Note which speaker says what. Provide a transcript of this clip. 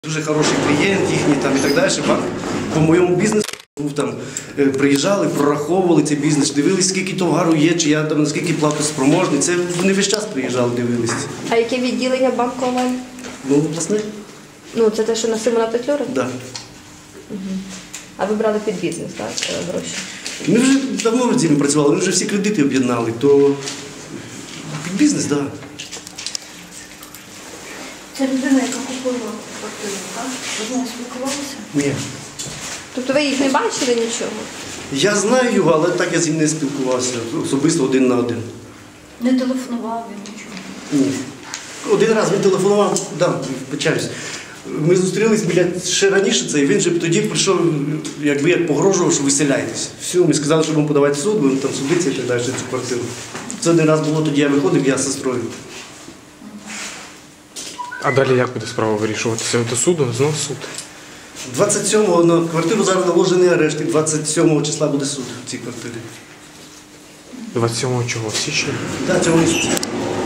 Speaker 1: Дуже хороший клієнт їхній там і так далі. Банк по моєму бізнесу був там, приїжджали, прораховували цей бізнес, дивились, скільки товару є, чи я там наскільки платоспроможний. Це вони весь час приїжджали, дивились.
Speaker 2: А яке відділення банку онлайн?
Speaker 1: Ну, власне,
Speaker 2: Ну, це те, що на Симона Петлюри?
Speaker 1: так. Да.
Speaker 2: А ви брали під бізнес, так, гроші?
Speaker 1: Ми вже давно над цим працювали, ми вже всі кредити об'єднали, то під бізнес, так. Да.
Speaker 3: Це людина, яка купила квартиру, так? Ви з нею спілкувалися?
Speaker 1: Ні.
Speaker 2: Тобто ви їх не бачили нічого?
Speaker 1: Я знаю його, але так я з ним не спілкувався, особисто один на один.
Speaker 3: Не телефонував він нічого?
Speaker 1: Ні. Один раз він телефонував, да, вибачаюсь. Ми зустрілись ще раніше це, і він же тоді прийшов, якби як погрожував, що виселяйтесь. Все, ми сказали, що будемо подавати в суд, будемо там судитися і так далі, цю квартиру. Це один раз було, тоді я виходив, я з сестрою.
Speaker 4: А далі як буде справа вирішуватися? До суду? Знов суд?
Speaker 1: 27-го на квартиру зараз наложений арешт, і 27 числа буде суд в цій квартирі.
Speaker 4: 27 чого? Січня?
Speaker 1: Так, цього місяця.